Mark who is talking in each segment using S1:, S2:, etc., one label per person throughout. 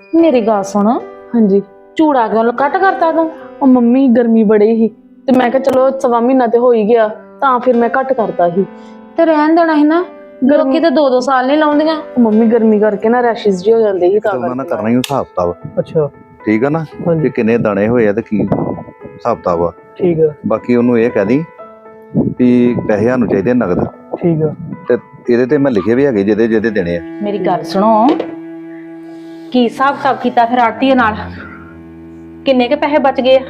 S1: ਮੇਰੀ ਗੱਲ ਸੁਣ,
S2: हाँ जी।
S1: ਝੂੜਾ ਕਿਉਂ ਕੱਟ ਕਰਤਾ ਤੂੰ?
S2: और मम्मी गर्मी बड़ी ही ते मैं कहा चलो सवा महीना ते हो ही गया तां फिर मैं घट करता ही।
S1: ਤੇ ਰਹਿਣ ਦੇਣਾ ਸੀ ਨਾ, ਲੋਕੀ ਤੇ 2-2 ਸਾਲ ਨਹੀਂ ਲਾਉਂਦੀਆਂ।
S2: मम्मी गर्मी करके ना रैशेस जी हो जाते ही
S3: ਤੇ ਉਹਨਾਂ ਨਾਲ ਕਰਨਾ ਹੀ ਹਿਸਾਬ ਕਿਤਾਬ।
S2: अच्छा
S3: ਠੀਕ ਆ ਨਾ,
S2: हाँ
S3: ਕਿ
S2: जी
S3: ਕਿੰਨੇ ਦਾਣੇ ਹੋਏ ਆ ਤੇ ਕੀ ਹਿਸਾਬ ਕਿਤਾਬ ਆ।
S2: ठीक है
S3: ਬਾਕੀ ਉਹਨੂੰ ਇਹ ਕਹਿ ਦੀ ਵੀ ਪੈਸੇ ਸਾਨੂੰ ਚਾਹੀਦੇ ਨਗਦ,
S2: ठीक है।
S3: ਤੇ ਇਹਦੇ ਤੇ ਮੈਂ ਲਿਖੇ ਵੀ ਹੈਗੇ ਜਿਹਦੇ ਜਿਹਦੇ ਦੇਣੇ ਆ।
S1: ਮੇਰੀ ਗੱਲ ਸੁਣੋ, ਕੀ ਹਿਸਾਬ ਕਿਤਾਬ ਕੀਤਾ ਫਿਰ ਆੜਤੀਏ ਨਾਲ? ਕਿੰਨੇ ਕੇ ਪੈਸੇ ਬਚ ਗਏ ਆ?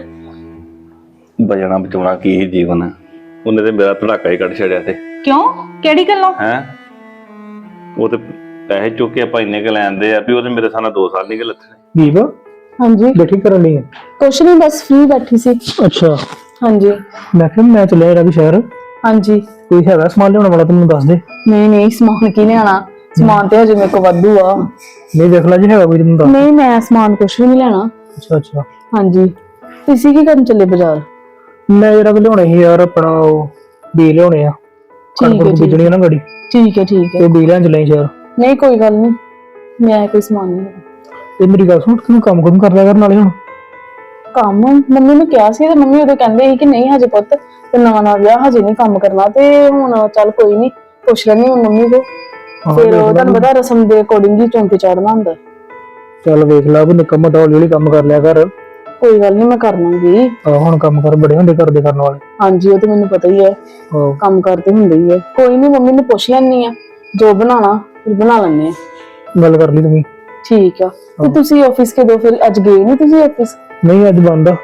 S4: ਬਚਣਾ ਬਚਾਉਣਾ ਕੀ ਹੀ ਜੀਵਨ ਹੈ। ਉਹਨੇ ਤੇ ਮੇਰਾ ਧੜਾਕਾ ਹੀ ਕੱਢ ਛੜਿਆ ਤੇ
S1: ਕਿਉਂ? ਕਿਹੜੀ ਗੱਲੋਂ?
S4: ਹੈ ਉਹ ਤੇ ਪੈਸੇ ਚੁੱਕ ਕੇ ਆਪਾਂ ਇੰਨੇ ਕੁ ਲੈਂਦੇ ਆ ਵੀ ਉਹਦੇ ਮੇਰੇ ਸਾਹਮਣੇ 2 ਸਾਲ ਨਹੀਂ ਗਏ ਲੱਥਣੇ।
S2: दीप
S5: हाँ जी
S2: बैठी कर रही है?
S5: कुछ नहीं बस फ्री बैठी सी।
S2: अच्छा
S5: हाँ जी
S2: मैं फिर मैं चलिया जरा शहर
S5: हाँ जी
S2: कोई है सामान लिया वाला तुम दस दे।
S5: नहीं नहीं समान की लेना समान तो हजे मेरे को वाधू आ।
S2: नहीं देख ला जी है कोई तुम दस।
S5: नहीं मैं समान कुछ भी नहीं लेना।
S2: अच्छा अच्छा
S5: हाँ जी इसी की करन चले बाजार?
S2: मैं जरा को लिया ही यार अपना बी लिया
S5: ठीक है
S2: बीजनी है ना गड़ी
S5: ठीक है ठीक है।
S2: तो बी लें चले शहर।
S5: नहीं कोई गल नहीं मैं कोई समान नहीं लेना।
S2: ਤੇ ਮੇਰੀ ਗੱਲ ਸੁਣ ਤੂੰ ਕੰਮ ਕਰ ਲਿਆ ਕਰ ਨਾਲੇ ਹੁਣ।
S5: ਕੰਮ ਮੰਮੀ ਨੂੰ ਕਿਹਾ ਸੀ ਤੇ ਮੰਮੀ ਉਦੋਂ ਕਹਿੰਦੇ ਸੀ ਕਿ ਨਹੀਂ ਹਜੇ ਪੁੱਤ ਤੇ ਨਵਾਂ ਵਿਆਹ ਹਜੇ ਨਹੀਂ ਕੰਮ ਕਰਨਾ ਤੇ ਹੁਣ ਚੱਲ ਕੋਈ ਨਹੀਂ ਪੁੱਛ ਲੈਣੀ ਮੰਮੀ ਕੋ ਫਿਰ ਤੁਹਾਨੂੰ ਪਤਾ ਰਸਮ ਦੇ ਅਕੋਰਡਿੰਗ ਹੀ ਚੌਂਕੇ ਚੜਨਾ ਹੁੰਦਾ।
S2: ਚੱਲ ਵੇਖ ਲਾ ਵੀ ਨਿੱਕਾ ਮੋਟਾ ਹੌਲੀ ਹੌਲੀ ਕੰਮ ਕਰ ਲਿਆ ਕਰ।
S5: ਕੋਈ ਗੱਲ ਨਹੀਂ ਮੈਂ ਕਰ ਲਾਂਗੀ।
S2: ਹੁਣ ਕੰਮ ਕਰ ਬੜੇ ਹੁੰਦੇ ਘਰ ਦੇ ਕਰਨ ਵਾਲੇ।
S5: ਹਾਂਜੀ ਉਹ ਤੇ ਮੈਨੂੰ ਪਤਾ ਹੀ ਹੈ ਕੰਮ ਕਰਦੇ ਹੁੰਦੇ ਹੀ ਹੈ। ਕੋਈ ਨਹੀਂ ਮੰਮੀ ਨੂੰ ਪੁੱਛ ਲੈਣੀ ਆ ਜੋ ਬਣਾਣਾ ਫਿਰ ਬਣਾ ਲੈਣੇ ਆ।
S2: ਗੱਲ ਕਰ ਲਈ ਤੁਸੀਂ?
S5: ਠੀਕ ਆ ਤੇ ਤੁਸੀਂ ਆਫਿਸ ਕਦੋਂ ਫਿਰ ਅੱਜ ਗਏ ਨਹੀਂ ਤੁਸੀਂ ਆਫਿਸ?
S2: ਨਹੀਂ ਅੱਜ ਬੰਦ ਆ।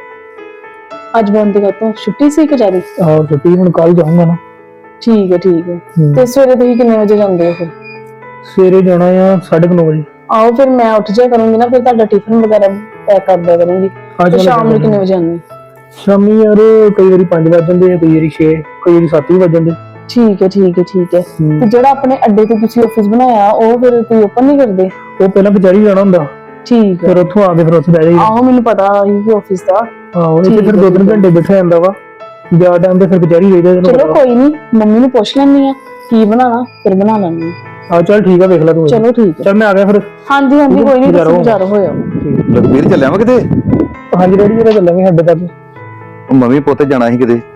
S5: ਅੱਜ ਬੰਦ ਕਰਤਾ ਛੁੱਟੀ ਸੀ ਕਿ ਜਾਰੀ?
S2: ਹਾਂ ਛੁੱਟੀ ਹੁਣ ਕੱਲ ਜਾਊਂਗਾ ਨਾ।
S5: ਠੀਕ ਹੈ ਤੇ ਸਵੇਰੇ ਤੁਸੀਂ ਕਿੰਨੇ ਵਜੇ ਜਾਂਦੇ ਹੋ ਫਿਰ?
S2: ਸਵੇਰੇ ਜਾਣਾ ਆ 9:30 ਵਜੇ।
S5: ਆਓ ਫਿਰ ਮੈਂ ਉੱਠ ਜਾ ਕਰੂੰਗੀ ਨਾ ਫਿਰ ਤੁਹਾਡਾ ਟਿਫਨ ਵਗੈਰਾ ਪੈਕ ਕਰ ਦਿਆ ਕਰੂੰਗੀ। ਤੇ ਸ਼ਾਮ ਨੂੰ ਕਿੰਨੇ ਵਜੇ ਆਉਂਦੇ?
S2: ਸ਼ਾਮੀ ਯਾਰ ਕਈ ਵਾਰੀ 5 ਵਜ ਜਾਂਦੇ ਆ, ਕਈ ਵਾਰੀ 6, ਕਈ ਵਾਰੀ 7 ਵੀ ਵਜ ਜਾਂਦੇ।
S5: ਠੀਕ ਹੈ ਤੇ ਜਿਹੜਾ ਆਪਣੇ ਅੱਡੇ ਤੇ ਤੁਸੀਂ ਆਫਿਸ ਬਣਾਇਆ ਉਹ ਫਿਰ ਤੁਸੀਂ ਓਪਨ ਨਹੀਂ ਕਰਦੇ?
S2: ਉਹ ਪਹਿਲਾਂ ਕਚਹਿਰੀ ਜਾਣਾ ਹੁੰਦਾ।
S5: ਠੀਕ ਹੈ
S2: ਫਿਰ ਉੱਥੋਂ ਆ ਕੇ ਫਿਰ ਉੱਥੇ ਬਹਿ ਜਾਈਦਾ।
S5: ਆਹੋ ਮੈਨੂੰ ਪਤਾ ਹੀ ਕਿ ਆਫਿਸ ਦਾ।
S2: ਆਹੋ ਇੱਥੇ ਫਿਰ 2-3 ਘੰਟੇ ਬੈਠਾ ਜਾਂਦਾ ਵਾ ਜ਼ਿਆਦਾ ਟਾਈਮ ਤੇ ਫਿਰ ਕਚਹਿਰੀ ਰਹਿਦਾ।
S5: ਚਲੋ ਕੋਈ ਨਹੀਂ ਮੰਮੀ ਨੂੰ ਪੁੱਛ ਲੈਣੀ ਆ ਕੀ ਬਣਾਣਾ ਫਿਰ ਬਣਾ ਲੈਣੀ ਆ।
S2: ਚੱਲ ਠੀਕ ਆ ਵੇਖ ਲੈ ਤੂੰ।
S5: ਚਲੋ ਠੀਕ ਹੈ
S2: ਚੱਲ ਮੈਂ ਆ ਗਿਆ ਫਿਰ।
S5: ਹਾਂਜੀ ਕੋਈ ਨਹੀਂ ਤੁਸੀਂ ਬਾਜ਼ਾਰ ਹੋਇਆ।
S3: ਲਖਬੀਰ ਚੱਲਿਆ ਵਾ ਕਿਤੇ?
S2: ਹਾਂਜੀ ਰੈਡੀ ਜਿਹੜਾ ਚੱਲਾਂਗੇ ਸਾਡੇ ਤੱਕ।
S3: ਮੰਮੀ ਪੁੱਤ ਜਾਣਾ ਸੀ ਕਿਤੇ।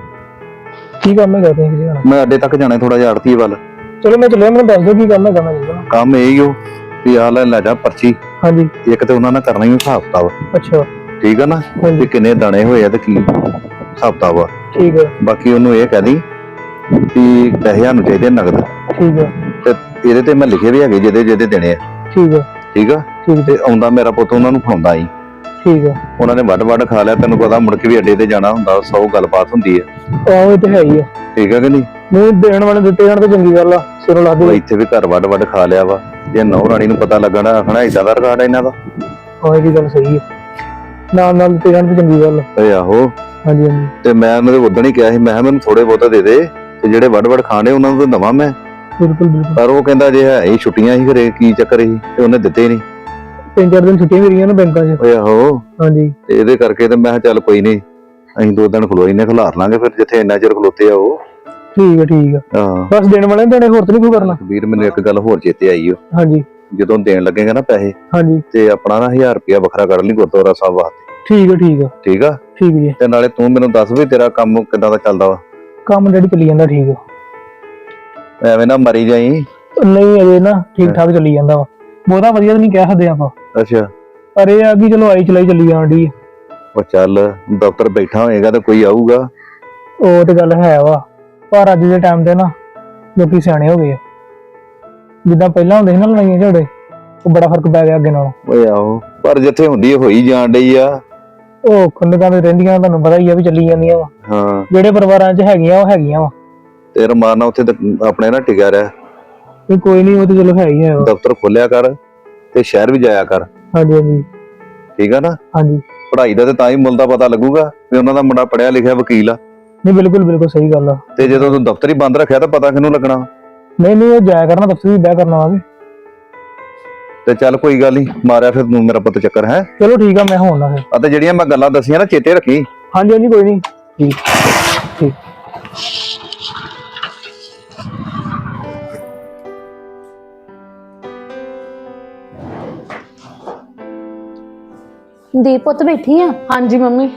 S2: ਕੀ ਕੰਮ ਹੈਗਾ ਤੁਸੀਂ ਕਿਤੇ ਜਾਣਾ?
S3: ਮੈਂ ਅੱਡੇ ਤੱਕ ਜਾਣਾ ਥੋੜਾ ਜਿਹਾ ਆੜਤੀ ਵੱਲ।
S2: ਚਲੋ ਮੈਂ ਚੱਲਿਆ ਮੈਨੂੰ ਦੱਸ ਦਿਓ ਕੀ ਕੰਮ ਹੈਗਾ ਮੈਂ ਚੱਲਣਾ।
S3: ਕੰਮ ਇਹ ਹੀ ਹੋ ਵੀ ਆ ਲੈ ਜਾ ਪਰਚੀ।
S2: ਹਾਂਜੀ
S3: ਇੱਕ ਤੇ ਉਹਨਾਂ ਨਾਲ ਕਰਨਾ ਹੀ ਹਿਸਾਬ ਕਿਤਾਬ।
S2: ਅੱਛਾ
S3: ਠੀਕ ਆ ਨਾ,
S2: ਹਾਂਜੀ।
S3: ਵੀ ਕਿੰਨੇ ਦਾਣੇ ਹੋਏ ਆ ਤੇ ਕੀ ਹਿਸਾਬ ਕਿਤਾਬ ਆ।
S2: ਠੀਕ ਹੈ
S3: ਬਾਕੀ ਉਹਨੂੰ ਇਹ ਕਹਿ ਦੀ ਵੀ ਪੈਸੇ ਸਾਨੂੰ ਚਾਹੀਦੇ ਨਗਦ,
S2: ਠੀਕ ਹੈ
S3: ਤੇ ਇਹਦੇ ਤੇ ਮੈਂ ਲਿਖੇ ਵੀ ਹੈਗੇ ਜਿਹਦੇ ਜਿਹਦੇ ਦੇਣੇ ਆ।
S2: ਠੀਕ ਹੈ
S3: ਠੀਕ ਆ
S2: ਠੀਕ
S3: ਤੇ ਆਉਂਦਾ ਮੇਰਾ ਪੁੱਤ ਉਹਨਾਂ ਨੂੰ ਫੜਾਉਂਦਾ ਸੀ।
S2: ਠੀਕ ਹੈ।
S3: ਉਹਨਾਂ ਨੇ ਵੱਡ ਖਾ ਲਿਆ। ਤੈਨੂੰ ਪਤਾ ਮੁੜ ਕੇ ਵੀ ਅੱਡੇ ਤੇ ਜਾਣਾ ਹੁੰਦਾ, 100 ਗੱਲਬਾਤ ਹੁੰਦੀ ਆ।
S2: ਆਹੋ ਇਹ ਤੇ ਹੈ ਹੀ ਆ।
S3: ਠੀਕ ਆ ਕਿ ਨਹੀਂ?
S2: ਨਹੀਂ ਦੇਣ ਵਾਲੇ ਦਿੱਤੇ ਜਾਣ ਤਾਂ ਚੰਗੀ ਗੱਲ ਆ। ਸਿਰੋਂ ਲਾ
S3: ਉਹ
S2: ਦੇ।
S3: ਇੱਥੇ ਵੀ ਘਰ ਵੱਡ ਖਾ ਲਿਆ ਵਾ। ਜੇ ਨੌ ਰਾਣੀ ਨੂੰ ਪਤਾ ਲੱਗਣਾ ਆਖਣਾ ਏਦਾਂ ਦਾ ਰਿਕਾਰਡ ਇਹਨਾਂ ਦਾ।
S2: ਹਾਂ ਇਹ ਵੀ ਗੱਲ ਸਹੀ ਹੈ। ਨਾਲ ਦਿੱਤੇ ਜਾਣ ਤਾਂ ਚੰਗੀ ਗੱਲ।
S3: ਓਏ ਆਹੋ।
S2: ਹਾਂਜੀ ਹਾਂਜੀ
S3: ਤੇ ਮੈਂ ਉਹਨਾਂ ਦੇ ਉਦਣ ਹੀ ਕਿਹਾ ਸੀ, ਮੈਂ ਕਿਹਾ ਮੈਨੂੰ ਥੋੜੇ ਬਹੁਤਾ ਦੇ ਦੇ ਤੇ ਜਿਹੜੇ ਵੱਡ ਖਾਣੇ ਉਹਨਾਂ ਨੂੰ ਤਾਂ ਦਵਾਂ ਮੈਂ।
S2: ਬਿਲਕੁਲ ਬਿਲਕੁਲ।
S3: ਪਰ ਉਹ ਕਹਿੰਦਾ ਜੇ ਹੈ ਇਹ ਛੁੱਟੀਆਂ ਹੀ ਘਰੇ ਕੀ ਚੱਕਰ ਸੀ ਤੇ ਉਹਨੇ ਦਿੱਤੇ ਨਹੀਂ।
S2: 3-4 ਦਿਨ ਛੁੱਟੀਆਂ ਮੇਰੀਆਂ ਨਾ ਬੈਂਕਾਂ 'ਚ।
S3: ਓਏ ਆਹੋ।
S2: ਹਾਂਜੀ
S3: ਤੇ ਇਹਦੇ ਕਰਕੇ ਤੇ ਮੈਂ ਕਿਹਾ ਚੱਲ ਕੋਈ ਨਹੀਂ ਅਸੀਂ 2 ਦਿਨ ਖਲੋਈ ਨੇ ਖਿਲਾਰ ਲਾਂਗੇ ਫਿਰ ਜਿੱਥੇ ਇੰਨਾ ਚਿਰ ਖਲੋਤੇ ਆ ਉਹ।
S2: ਠੀਕ ਹੈ ਠੀਕ ਹੈ।
S3: ਹਾਂ
S2: ਬਸ ਦੇਣ ਵਾਲੇ ਦੇਣੇ ਹੋਰ ਤਾਂ ਨਹੀਂ ਕੋਈ ਕਰਨਾ।
S3: ਵੀਰ ਮੈਨੂੰ ਇੱਕ ਗੱਲ ਹੋਰ ਚੇਤੇ ਆਈ ਓ।
S2: ਹਾਂਜੀ
S3: ਜਦੋਂ ਦੇਣ ਲੱਗੇਗਾ ਨਾ ਪੈਸੇ
S2: ਹਾਂਜੀ
S3: ਤੇ ਆਪਣਾ ਨਾ 1000 ਰੁਪਇਆ ਵੱਖਰਾ ਕੱਢ ਲਈ ਗੁਰਦੁਆਰਾ ਸਾਹਿਬ ਵਾਸਤੇ।
S2: ਠੀਕ ਹੈ ਠੀਕ ਹੈ
S3: ਠੀਕ ਆ?
S2: ਠੀਕ ਜੀ।
S3: ਤੇ ਨਾਲੇ ਤੂੰ ਮੈਨੂੰ ਦੱਸ ਵੀ ਤੇਰਾ ਕੰਮ ਕਿੱਦਾਂ ਦਾ ਚੱਲਦਾ ਵਾ।
S2: ਕੰਮ ਜਿਹੜੀ ਚੱਲੀ ਜਾਂਦਾ ਠੀਕ ਆ।
S3: ਐਵੇਂ ਨਾ ਮਰੀ ਜਾਈ।
S2: ਨਹੀਂ ਅਜੇ ਨਾ ਠੀਕ ਠਾਕ ਚੱਲੀ ਜਾਂਦਾ ਵਾ। ਬਹੁਤਾ ਵਧੀਆ ਤਾਂ ਨਹੀਂ ਕਹਿ ਸਕਦੇ ਆਪਾਂ।
S3: ਅੱਛਾ
S2: ਪਰ ਇਹ ਆ ਕਿ ਚਲੋ ਆਈ ਚਲਾਈ ਚੱਲੀ ਜਾਂਦੀ ਹੈ।
S3: ਉਹ ਚੱਲ ਦਫ਼ਤਰ ਬੈਠਾ ਹੋਏਗਾ ਤੇ ਕੋਈ ਆਊਗਾ।
S2: ਉਹ ਤੇ ਗੱਲ ਹੈ ਵਾ ਪਰ ਅੱਜ ਦੇ ਟਾਈਮ ਤੇ ਨਾ ਲੋਕੀ ਸਿਆਣੇ ਹੋ ਗਏ ਆ। ਜਿੱਦਾਂ ਪਹਿਲਾਂ ਹੁੰਦੇ ਸੀ ਨਾ ਲੜਾਈਆਂ ਝਗੜੇ ਉਹ ਬੜਾ ਫਰਕ ਪੈ ਗਿਆ ਅੱਗੇ ਨਾਲੋਂ।
S3: ਓਏ ਆਹੋ ਪਰ ਜਿੱਥੇ ਹੁੰਦੀ ਹੋਈ ਜਾਣ ਡਈ ਆ।
S2: ਉਹ ਖੰਡਕਾਂ ਤੇ ਰਹਿੰਦੀਆਂ ਤੁਹਾਨੂੰ ਪਤਾ ਹੀ ਆ ਵੀ ਚੱਲੀ ਜਾਂਦੀਆਂ ਵਾ।
S3: ਹਾਂ
S2: ਜਿਹੜੇ ਪਰਿਵਾਰਾਂ 'ਚ ਹੈਗੀਆਂ ਉਹ ਹੈਗੀਆਂ ਵਾ।
S3: ਤੇ ਰਮਾਨ ਨਾਲ ਉੱਥੇ ਆਪਣੇ ਨਾ ਟਿਕਿਆ ਰਿਹਾ।
S2: ਤੇ ਕੋਈ ਨਹੀਂ ਉਹ ਤੇ ਚਲੋ ਹੈ ਹੀ ਹੈ।
S3: ਦਫ਼ਤਰ ਖੋਲਿਆ ਕਰ ਤੇ ਸ਼ਹਿਰ ਵੀ ਜਾਇਆ ਕਰ।
S2: ਹਾਂਜੀ ਹਾਂਜੀ
S3: ਠੀਕ ਆ ਨਾ?
S2: ਹਾਂਜੀ
S3: ਪੜ੍ਹਾਈ ਦਾ ਤੇ ਤਾਂ ਹੀ ਮੁੱਲ ਦਾ ਪਤਾ ਲੱਗੂਗਾ ਵੀ ਉਹਨਾਂ ਦਾ ਮੁੰਡਾ ਪੜ੍ਹਿਆ ਲਿਖਿਆ ਵਕੀਲ ਆ।
S2: ਨਹੀਂ ਬਿਲਕੁਲ ਬਿਲਕੁਲ ਸਹੀ ਗੱਲ ਆ।
S3: ਤੇ ਜਦੋਂ ਤੂੰ ਦਫ਼ਤਰ ਹੀ ਬੰਦ ਰੱਖਿਆ ਤਾਂ ਪਤਾ ਕਿਹਨੂੰ ਲੱਗਣਾ?
S2: ਨਹੀਂ ਉਹ ਜਾਇਆ ਕਰਨਾ ਦਫ਼ਤਰ ਵੀ ਬਹਿ ਕਰਨਾ ਵਾ ਵੀ।
S3: ਤੇ ਚੱਲ ਕੋਈ ਗੱਲ ਨਹੀਂ ਮਾਰਿਆ ਫਿਰ ਤੂੰ ਮੇਰਾ ਪੁੱਤ ਚੱਕਰ ਹੈ।
S2: ਚਲੋ ਠੀਕ ਆ ਮੈਂ ਹੁਣ ਨਾ ਫਿਰ।
S3: ਅਤੇ ਜਿਹੜੀਆਂ ਮੈਂ ਗੱਲਾਂ ਦੱਸੀਆਂ ਨਾ ਚੇਤੇ ਰੱਖੀ।
S2: ਹਾਂਜੀ ਹਾਂਜੀ ਕੋਈ ਨਹੀਂ ਠੀਕ ਠੀਕ।
S1: ਦੀਪ ਪੁੱਤ ਬੈਠੀ ਆ?
S5: ਹਾਂਜੀ ਮੰਮੀ।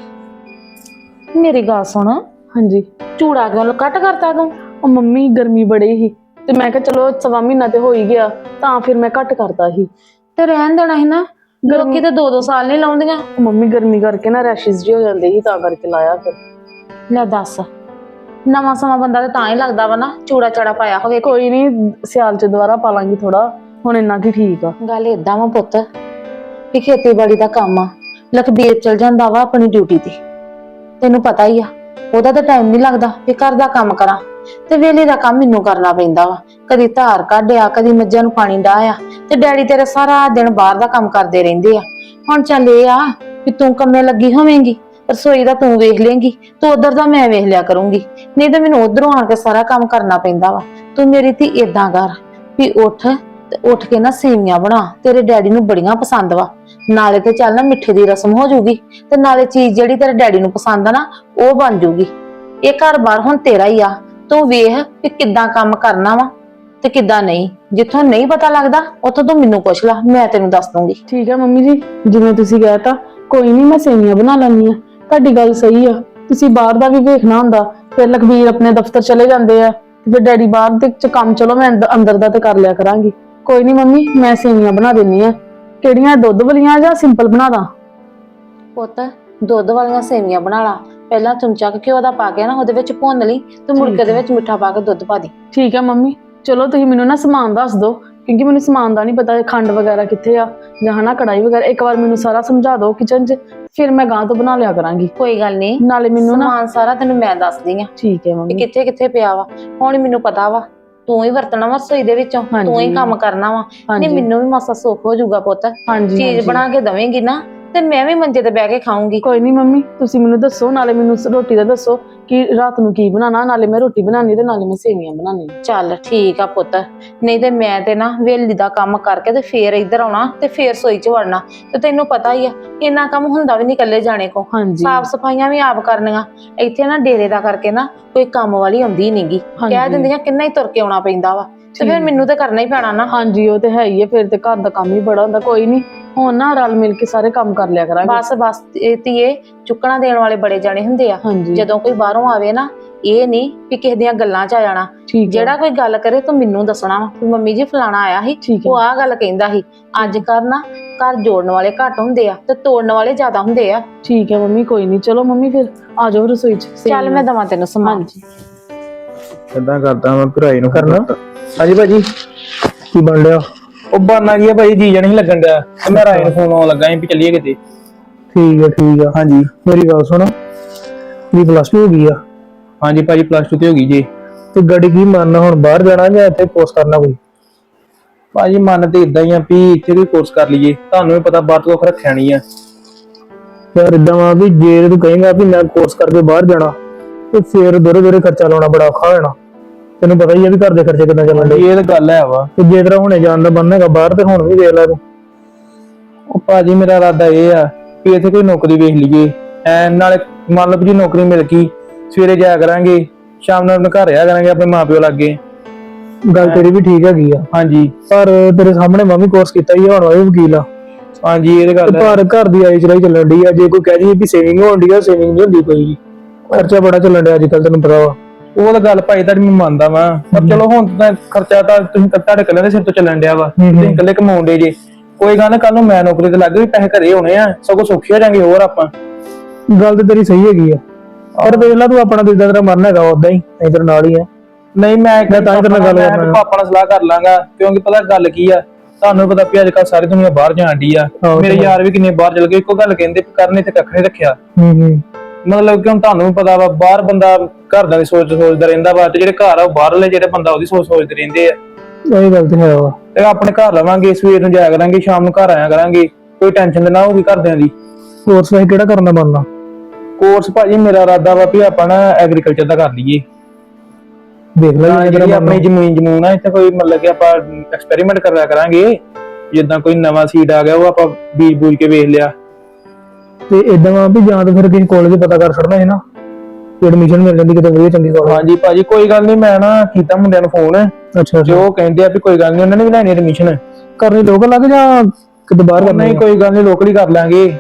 S1: ਮੇਰੀ ਗੱਲ ਸੁਣ,
S5: ਹਾਂਜੀ।
S1: ਚੂੜਾ ਕਿਉਂ ਕੱਟ ਕਰਤਾ ਤੂੰ?
S5: ਉਹ ਮੰਮੀ ਗਰਮੀ ਬੜੀ ਸੀ ਤੇ ਮੈਂ ਕਿਹਾ ਚਲੋ ਸਵਾ ਮਹੀਨਾ ਤੇ ਹੋ ਹੀ ਗਿਆ, ਤਾਂ ਫਿਰ ਮੈਂ ਘੱਟ ਕਰਤਾ ਸੀ।
S1: ਤੇ ਰਹਿਣ ਦੇਣਾ ਸੀ ਨਾ, ਲੋਕੀ ਤੇ 2-2 ਸਾਲ ਨਹੀਂ ਲਾਉਂਦੀਆਂ।
S5: ਉਹ ਮੰਮੀ ਗਰਮੀ ਕਰਕੇ ਨਾ ਰੈਸ਼ਿਸ ਜਿਹੇ ਹੋ ਜਾਂਦੇ ਸੀ, ਤਾਂ ਕਰਕੇ ਲਾਇਆ ਫਿਰ।
S1: ਲੈ ਦੱਸ, ਨਵਾਂ ਸਮਾਂ ਬੰਦਾ ਤੇ ਤਾਂ ਹੀ ਲੱਗਦਾ ਵਾ ਨਾ ਚੂੜਾ ਚਾੜਾ ਪਾਇਆ ਹੋਵੇ।
S5: ਕੋਈ ਨਹੀਂ, ਸਿਆਲ ਚ ਦੁਬਾਰਾ ਪਾ ਲਾਂਗੀ ਥੋੜਾ, ਹੁਣ ਇੰਨਾ ਕੀ ਠੀਕ ਆ।
S1: ਗੱਲ ਏਦਾਂ ਵਾ ਪੁੱਤ ਵੀ ਖੇਤੀਬਾੜੀ ਦਾ ਕੰਮ ਆ, ਲਖਬੀਰ ਚਲ ਜਾਂਦਾ ਵਾ ਆਪਣੀ ਡਿਊਟੀ ਤੇ, ਤੈਨੂੰ ਪਤਾ ਹੀ ਆ ਉਹਦਾ ਤਾਂ ਟਾਈਮ ਨਹੀਂ ਲੱਗਦਾ ਵੀ ਘਰ ਦਾ ਕੰਮ ਕਰਾਂ, ਤੇ ਵੇਲੇ ਦਾ ਕੰਮ ਮੈਨੂੰ ਕਰਨਾ ਪੈਂਦਾ ਵਾ। ਕਦੀ ਧਾਰ ਕੱਢਿਆ, ਕਦੀ ਮੱਝਾਂ ਨੂੰ ਪਾਣੀ ਡਾਹਿਆ, ਤੇ ਡੈਡੀ ਤੇਰੇ ਸਾਰਾ ਦਿਨ ਬਾਹਰ ਦਾ ਕੰਮ ਕਰਦੇ ਰਹਿੰਦੇ ਆ। ਹੁਣ ਚੱਲ ਇਹ ਆ ਵੀ ਤੂੰ ਕੰਮੇ ਲੱਗੀ ਹੋਵੇਂਗੀ, ਰਸੋਈ ਦਾ ਤੂੰ ਵੇਖ ਲੇਂਗੀ, ਤੂੰ ਉਧਰ ਦਾ ਮੈਂ ਵੇਖ ਲਿਆ ਕਰੂੰਗੀ, ਨਹੀਂ ਤਾਂ ਮੈਨੂੰ ਉਧਰੋਂ ਆਣ ਕੇ ਸਾਰਾ ਕੰਮ ਕਰਨਾ ਪੈਂਦਾ ਵਾ। ਤੂੰ ਮੇਰੀ ਧੀ ਏਦਾਂ ਕਰ ਵੀ ਉੱਠ ਤੇ ਉੱਠ ਕੇ ਨਾ ਸੇਵੀਆਂ ਬਣਾ, ਤੇਰੇ ਡੈਡੀ ਨੂੰ ਬੜੀਆਂ ਪਸੰਦ ਵਾ। ਨਾਲੇ ਤੇ ਚੱਲ ਨਾ ਮਿੱਠੇ ਦੀ ਰਸਮ ਹੋ ਜਾਊਗੀ, ਤੇ ਨਾਲੇ ਚੀਜ਼ ਜਿਹੜੀ ਤੇਰੇ ਡੈਡੀ ਨੂੰ ਪਸੰਦ ਆ ਨਾ ਉਹ ਬਣ ਜਾਊਗੀ। ਇਹ ਘਰ-ਬਾਰ ਹੁਣ ਤੇਰਾ ਹੀ ਆ, ਤੂੰ ਵੇਖ ਵੀ ਕਿੱਦਾਂ ਕੰਮ ਕਰਨਾ ਵਾ ਤੇ ਕਿੱਦਾਂ ਨਹੀਂ। ਜਿੱਥੋਂ ਨਹੀਂ ਪਤਾ ਲੱਗਦਾ ਉੱਥੋਂ ਤੂੰ ਮੈਨੂੰ ਪੁੱਛ ਲੈ, ਮੈਂ ਤੈਨੂੰ ਦੱਸ ਦੂੰਗੀ।
S5: ਠੀਕ ਹੈ ਮੰਮੀ ਜੀ, ਜਿਵੇਂ ਤੁਸੀਂ ਕਹਿ ਤਾ, ਕੋਈ ਨਹੀਂ ਮੈਂ ਸੇਵੀਆਂ ਬਣਾ ਲੈਂਦੀ ਆ। ਤੁਹਾਡੀ ਗੱਲ ਸਹੀ ਆ, ਤੁਸੀਂ ਬਾਹਰ ਦਾ ਵੀ ਵੇਖਣਾ ਹੁੰਦਾ, ਫਿਰ ਲਖਬੀਰ ਆਪਣੇ ਦਫ਼ਤਰ ਚਲੇ ਜਾਂਦੇ ਆ, ਤੇ ਫਿਰ ਡੈਡੀ ਬਾਹਰ ਦੇ ਚ ਕੰਮ, ਚਲੋ ਮੈਂ ਅੰਦਰ ਦਾ ਤੇ ਕਰ ਲਿਆ ਕਰਾਂਗੀ। ਕੋਈ ਨਹੀਂ ਮੰਮੀ, ਮੈਂ ਸੇਵੀਆਂ ਬਣਾ ਦਿੰਨੀ ਆ। ਕਿਹੜੀਆਂ, ਦੁੱਧ ਵਾਲੀਆਂ ਜਾਂ ਸਿੰਪਲ ਬਣਾ ਦਾਂ?
S1: ਪੁੱਤ ਦੁੱਧ ਵਾਲੀਆਂ ਸੇਵੀਆਂ ਬਣਾ ਲਾ। ਪਹਿਲਾਂ ਚਮਚਾ ਘਿਓ ਦਾ ਪਾ ਕੇ ਨਾ ਉਹਦੇ ਵਿੱਚ ਭੁੰਨ ਲਈ, ਤੇ ਮੁੜ ਕੇ ਉਹਦੇ ਵਿੱਚ ਮਿੱਠਾ ਪਾ ਕੇ ਦੁੱਧ ਪਾ ਦੇ।
S5: ਠੀਕ ਹੈ ਮੰਮੀ, ਚਲੋ ਤੁਸੀਂ ਮੈਨੂੰ ਨਾ ਸਮਾਨ ਦੱਸ ਦਿਓ, ਕਿਉਂਕਿ ਮੈਨੂੰ ਸਮਾਨ ਦਾ ਨਹੀਂ ਪਤਾ, ਖੰਡ ਵਗੈਰਾ ਕਿੱਥੇ ਆ ਜਾਂ ਹਨਾ ਕੜਾਈ ਵਗੈਰਾ। ਇੱਕ ਵਾਰ ਮੈਨੂੰ ਸਾਰਾ ਸਮਝਾ ਦਿਓ ਕਿਚਨ 'ਚ, ਫਿਰ ਮੈਂ ਗਾਂ ਤੋਂ ਬਣਾ ਲਿਆ ਕਰਾਂਗੀ।
S1: ਕੋਈ ਗੱਲ ਨਹੀਂ,
S5: ਨਾਲੇ ਮੈਨੂੰ ਨਾ,
S1: ਸਮਾਨ ਸਾਰਾ ਤੈਨੂੰ ਮੈਂ ਦੱਸਦੀ ਆ
S5: ਠੀਕ ਹੈ
S1: ਵੀ
S5: ਮੰਮੀ।
S1: ਕਿੱਥੇ ਕਿੱਥੇ ਪਿਆ ਵਾ। ਹੁਣ ਮੈਨੂੰ ਪਤਾ ਵਾ ਤੂੰ ਹੀ ਵਰਤਣਾ ਵਾ ਰਸੋਈ ਦੇ ਵਿੱਚੋਂ, ਤੂੰ ਹੀ ਕੰਮ ਕਰਨਾ ਵਾ। ਨਹੀਂ ਮੈਨੂੰ ਵੀ ਮਾਸਾ ਸੁੱਖ ਹੋ ਜਾਊਗਾ ਪੁੱਤ,
S5: ਹਾਂਜੀ
S1: ਚੀਜ਼ ਬਣਾ ਕੇ ਦਵੇਂਗੀ ਨਾ ਤੇ ਮੈਂ ਵੀ ਮੰਜੇ ਤੇ ਬਹਿ ਕੇ ਖਾਊਂਗੀ।
S5: ਕੋਈ ਨਹੀਂ ਮੰਮੀ, ਤੁਸੀਂ ਮੈਨੂੰ ਦੱਸੋ, ਨਾਲੇ ਮੈਨੂੰ ਰੋਟੀ ਦਾ ਦੱਸੋ ਕਿ ਰਾਤ ਨੂੰ ਕੀ ਬਣਾਉਣਾ, ਨਾਲੇ ਮੈਂ ਰੋਟੀ ਬਣਾਉਣੀ ਤੇ ਨਾਲੇ ਮੈਂ ਸੇਵੀਆਂ ਬਣਾਉਣੀ।
S1: ਚੱਲ ਠੀਕ ਆ ਪੁੱਤ, ਨਹੀਂ ਤੇ ਮੈਂ ਤੇ ਨਾ ਵੇਲੀ ਦਾ ਕੰਮ ਕਰਕੇ ਤੇ ਫੇਰ ਇੱਧਰ ਆਉਣਾ ਤੇ ਫੇਰ ਰਸੋਈ 'ਚ ਵੜਨਾ, ਤੇ ਤੈਨੂੰ ਪਤਾ ਹੀ ਆ ਇੰਨਾ ਕੰਮ ਹੁੰਦਾ ਵੀ ਨਹੀਂ ਇਕੱਲੇ ਜਾਣੇ ਕੋ।
S5: ਹਾਂਜੀ,
S1: ਸਾਫ ਸਫਾਈਆਂ ਵੀ ਆਪ ਕਰਨੀਆਂ। ਇੱਥੇ ਨਾ ਡੇਰੇ ਦਾ ਕਰਕੇ ਨਾ ਕੋਈ ਕੰਮ ਵਾਲੀ ਆਉਂਦੀ ਨਹੀਂਗੀ, ਕਹਿ ਦਿੰਦੀਆਂ ਕਿੰਨਾ ਹੀ ਤੁਰ ਕੇ ਆਉਣਾ ਪੈਂਦਾ ਵਾ, ਤੇ ਫਿਰ ਮੈਨੂੰ ਤੇ ਕਰਨਾ ਹੀ ਪੈਣਾ ਨਾ।
S5: ਹਾਂਜੀ ਉਹ ਤੇ ਹੈ ਹੀ ਹੈ, ਫਿਰ ਤੇ ਘਰ ਦਾ ਕੰਮ ਹੀ ਬੜਾ ਹੁੰਦਾ। ਕੋਈ ਨਹੀਂ, ਹੁਣ ਨਾ ਰਲ ਮਿਲ ਕੇ ਸਾਰੇ ਕੰਮ ਕਰ ਲਿਆ ਕਰਾਂਗੇ।
S1: ਬਸ ਧੀਏ, ਚੁੱਕਣਾ ਦੇਣ ਵਾਲੇ ਬੜੇ ਜਾਣੇ ਹੁੰਦੇ ਆ।
S5: ਹਾਂਜੀ,
S1: ਜਦੋਂ ਕੋਈ ਬਾਹਰੋਂ ਆਵੇ ਨਾ, ਇਹ ਨਹੀਂ ਵੀ ਕਿਸੇ ਦੀਆਂ ਗੱਲਾਂ 'ਚ ਆ ਜਾਣਾ।
S5: ਠੀਕ ਹੈ।
S1: ਜਿਹੜਾ ਕੋਈ ਗੱਲ ਕਰੇ ਤੂੰ ਮੈਨੂੰ ਦੱਸਣਾ ਵਾ ਵੀ ਮੰਮੀ ਜੀ ਫਲਾਣਾ ਆਇਆ ਸੀ,
S5: ਠੀਕ ਹੈ।
S1: ਉਹ ਆਹ ਗੱਲ ਕਹਿੰਦਾ ਸੀ। ਅੱਜ ਕੱਲ੍ਹ ਨਾ ਘਰ ਜੋੜਨ ਵਾਲੇ ਘੱਟ ਹੁੰਦੇ ਆ ਤੇ ਤੋੜਨ ਵਾਲੇ ਜ਼ਿਆਦਾ ਹੁੰਦੇ ਆ।
S5: ਠੀਕ ਹੈ ਮੰਮੀ, ਕੋਈ ਨਹੀਂ, ਚਲੋ ਮੰਮੀ ਫਿਰ ਆ ਜਾਓ ਰਸੋਈ 'ਚ।
S1: ਚੱਲ ਮੈਂ ਦਵਾਂ ਤੈਨੂੰ ਸਮਾਨ।
S5: ਹਾਂਜੀ,
S2: ਏਦਾਂ ਕਰਦਾ ਮੈਂ ਭਰਾਈ ਨੂੰ ਕਰਨਾ। ਹਾਂਜੀ ਭਾਜੀ, ਕੀ ਬਣ ਲਿਆ?
S6: ਉਹ ਬਾਨਾ ਕੀ ਆ ਭਾਈ, ਜੀ ਨਹੀਂ ਲੱਗਣ ਡਿਆ ਤੇ ਮੈਂ ਰਾਏ ਨੂੰ ਫੋਨ ਆਉਣ ਲੱਗਾ ਸੀ ਵੀ ਚੱਲੀਏ ਕਿਤੇ।
S2: ਠੀਕ ਆ।
S6: ਹਾਂਜੀ
S2: ਮੇਰੀ ਗੱਲ ਸੁਣ, ਵੀ ਪਲੱਸ 2 ਹੋ ਗਈ ਆ
S6: ਹਾਂਜੀ ਭਾਜੀ, +2 ਤੇ ਹੋ ਗਈ ਜੀ।
S2: ਤੇ ਗੱਡੀ ਕੀ ਮੰਨਣਾ, ਹੁਣ ਬਾਹਰ ਜਾਣਾ ਜਾਂ ਇੱਥੇ ਕੋਰਸ ਕਰਨਾ ਕੋਈ?
S6: ਭਾਜੀ ਮਨ ਤੇ ਇਦਾਂ ਹੀ ਆ ਵੀ ਇੱਥੇ ਕੋਈ ਕੋਰਸ ਕਰ ਲਈਏ, ਤੁਹਾਨੂੰ ਵੀ ਪਤਾ ਬਾਹਰ ਤੋਂ ਕੁਛ ਰੱਖਿਆ ਨਹੀਂ ਆ।
S2: ਯਾਰ ਇਦਾਂ ਵਾ ਵੀ ਜੇ ਤੂੰ ਕਹੇਂਗਾ ਵੀ ਮੈਂ ਕੋਰਸ ਕਰਕੇ ਬਾਹਰ ਜਾਣਾ, ਤੇ ਫਿਰ ਦੋਰੇ ਖਰਚਾ ਲਾਉਣਾ ਬੜਾ ਔਖਾ ਹੋ ਜਾਣਾ। ਤੈਨੂੰ ਪਤਾ ਹੀ ਆ ਵੀ ਘਰ ਦੇ ਖਰਚੇ ਕਿੰਨਾ ਚੱਲਣ ਡੇ।
S6: ਇਹ ਤਾਂ ਗੱਲ ਹੈ ਵਾ।
S2: ਤੇ ਜੇ ਤੇਰਾ ਹੁਣੇ ਜਾਣ ਦਾ ਮਨ ਹੈਗਾ ਬਾਹਰ, ਤੇ ਹੁਣ ਵੀ ਦੇਖ ਲੈ ਤੂੰ।
S6: ਉਹ ਭਾਜੀ ਮੇਰਾ ਇਰਾਦਾ ਇਹ ਆ ਵੀ ਇੱਥੇ ਕੋਈ ਨੌਕਰੀ ਵੇਖ ਲਈਏ, ਨਾਲੇ ਮੰਨ ਲਓ ਵੀ ਜੇ ਨੌਕਰੀ ਮਿਲ ਗਈ, ਸਵੇਰੇ ਜਾਇਆ ਕਰਾਂਗੇ, ਸ਼ਾਮ ਨੂੰ ਆਪਣੇ ਘਰ ਆਇਆ ਕਰਾਂਗੇ ਆਪਣੇ ਮਾਪਿਓ ਲਾਗੇ।
S2: ਗੱਲ ਤੇਰੀ ਵੀ ਠੀਕ ਹੈਗੀ ਆ,
S6: ਹਾਂਜੀ
S2: ਪਰ ਤੇਰੇ ਸਾਹਮਣੇ ਮੈਂ ਵੀ ਕੋਰਸ ਕੀਤਾ ਹੀ ਆ, ਹੁਣ ਮੈਂ ਵੀ ਵਕੀਲ ਆ।
S6: ਹਾਂਜੀ ਇਹ ਤਾਂ ਗੱਲ ਹੈ।
S2: ਪਰ ਘਰ ਦੀ ਆਈ ਚਲਾਈ ਚੱਲਣ ਡਈ ਆ। ਜੇ ਕੋਈ ਕਹਿ ਜੀ ਵੀ ਸੇਵਿੰਗ ਹੋਣ ਡਈ ਆ, ਸੇਵਿੰਗ ਨਹੀਂ ਹੁੰਦੀ ਕੋਈ ਵੀ। ਖਰਚਾ ਬੜਾ ਚੱਲਣ ਡਿਆ ਅੱਜ ਕੱਲ, ਤੈਨੂੰ ਪਤਾ ਵਾ।
S6: ਉਹ ਤਾਂ ਗੱਲ ਭਾਈ ਤੁਹਾਡੀ ਮੈਂ ਮੰਨਦਾ ਵਾਂ, ਪਰ ਚਲੋ ਹੁਣ ਤਾਂ ਖਰਚਾ ਤਾਂ ਤੁਸੀਂ ਤੁਹਾਡੇ ਇਕੱਲੇ ਦੇ ਸਿਰ ਤੋਂ ਚੱਲਣ ਡਿਆ ਵਾ, ਤੁਸੀਂ ਇਕੱਲੇ ਕਮਾਉਂਦੇ ਜੇ। ਕੋਈ ਗੱਲ ਨਾ, ਕੱਲ ਨੂੰ ਮੈਂ ਨੌਕਰੀ ਤੇ ਲੱਗ ਗਈ, ਪੈਸੇ ਘਰੇ ਹੋਣੇ ਆ, ਸਗੋਂ ਸੌਖੀ ਹੋ ਜਾਣਗੇ ਹੋਰ ਆਪਾਂ।
S2: ਗੱਲ ਤੇ ਤੇਰੀ ਸਹੀ ਹੈਗੀ ਆ, ਪਰ ਵੇਖ ਲਾ ਤੂੰ ਆਪਣਾ ਜਿੱਦਾਂ ਤੇਰਾ ਮਨ ਹੈਗਾ ਉਦਾਂ ਹੀ, ਨਹੀਂ ਤੇਰੇ ਨਾਲ ਹੀ ਆ।
S6: ਨਹੀਂ ਮੈਂ
S2: ਤਾਂ ਹੀ ਤੇਰੇ ਨਾਲ ਗੱਲ ਕਰਨਾ।
S6: ਪਾਪਾ ਨਾਲ ਸਲਾਹ ਕਰ ਲਾਂਗਾ, ਕਿਉਂਕਿ ਪਤਾ ਗੱਲ ਕੀ ਆ, ਤੁਹਾਨੂੰ ਪਤਾ ਵੀ ਅੱਜ ਕੱਲ ਸਾਰੀ ਦੁਨੀਆ ਬਾਹਰ ਜਾਣ ਡਈ ਆ। ਮੇਰੇ ਯਾਰ ਵੀ ਕਿੰਨੇ ਬਾਹਰ ਚਲ ਗਏ, ਇੱਕੋ ਗੱਲ ਕਹਿੰਦੇ ਕਰਨੇ ਤੇ ਕੱਖ ਨਹੀਂ ਰੱਖਿਆ। ਮਤਲਬ ਕਿ ਹੁਣ ਤੁਹਾਨੂੰ ਵੀ ਪਤਾ ਵਾ, ਬਾਹਰ ਬੰਦਾ ਘਰਦਿਆਂ ਦੀ ਸੋਚਦਾ ਰਹਿੰਦਾ ਵਾ, ਤੇ ਜਿਹੜੇ ਘਰ ਆ ਉਹ ਬਾਹਰਲੇ ਜਿਹੜੇ ਬੰਦਾ ਉਹਦੀ ਸੋਚਦੇ ਰਹਿੰਦੇ ਆ।
S2: ਇਹ ਗੱਲ ਤੇ ਹੈ ਵਾ।
S6: ਤੇ ਆਪਣੇ ਘਰ ਰਵਾਂਗੇ, ਸਵੇਰ ਨੂੰ ਜਾਇਆ ਕਰਾਂਗੇ, ਸ਼ਾਮ ਨੂੰ ਘਰ ਆਇਆ ਕਰਾਂਗੇ, ਕੋਈ ਟੈਨਸ਼ਨ ਤੇ ਨਾ ਹੋਊਗੀ ਘਰਦਿਆਂ ਦੀ।
S2: ਕੋਰਸ ਵੈਸੇ ਕਿਹੜਾ ਕਰਨ ਦਾ ਬਣਨਾ?
S6: ਕੋਰਸ ਭਾਜੀ ਮੇਰਾ ਇਰਾਦਾ ਵਾ ਵੀ ਆਪਾਂ ਨਾ ਐਗਰੀਕਲਚਰ ਦਾ ਕਰ ਲਈਏ।
S2: ਦੇਖ ਲੈ
S6: ਜਿਹੜੀ ਆਪਣੀ ਜ਼ਮੀਨ ਆ ਇੱਥੇ, ਕੋਈ ਮਤਲਬ ਕਿ ਆਪਾਂ ਐਕਸਪੈਰੀਮੈਂਟ ਕਰਿਆ ਕਰਾਂਗੇ, ਜਿੱਦਾਂ ਕੋਈ ਨਵਾਂ ਸੀਡ ਆ ਗਿਆ ਉਹ ਆਪਾਂ ਬੀਜ ਬੂਜ ਕੇ ਵੇਖ ਲਿਆ।
S2: ਤੇ ਇਦਾਂ ਵਾ ਵੀ ਜਾਂ ਤਾਂ ਫਿਰ ਕਿਸੇ ਕਾਲਜ ਪਤਾ ਕਰ ਛੱਡਣਾ ਹੈ ਨਾ, ਐਡਮਿਸ਼ਨ ਮਿਲ ਜਾਂਦੀ ਕਿਤੇ ਵਧੀਆ ਚੰਗੀ ਕਾਲਜ।
S6: ਹਾਂਜੀ ਭਾਜੀ ਕੋਈ ਗੱਲ ਨਹੀਂ, ਮੈਂ ਨਾ ਕੀਤਾ ਮੁੰਡਿਆਂ ਨੂੰ ਫੋਨ,
S2: ਅੱਛਾ
S6: ਜੋ ਉਹ ਕਹਿੰਦੇ ਆ ਵੀ ਕੋਈ ਗੱਲ ਨਹੀਂ, ਉਹਨਾਂ ਨੇ ਵੀ ਲੈਣੀ ਐਡਮਿਸ਼ਨ।
S2: ਕਰਨੀ ਲੋਕਲ ਲੱਗ ਜਾਂ ਕਿਤੇ ਬਾਹਰ ਕਰਨੀ?
S6: ਨਹੀਂ ਕੋਈ ਗੱਲ ਨਹੀਂ, ਲੋਕਲ ਹੀ ਕਰ ਲਾਂਗੇ।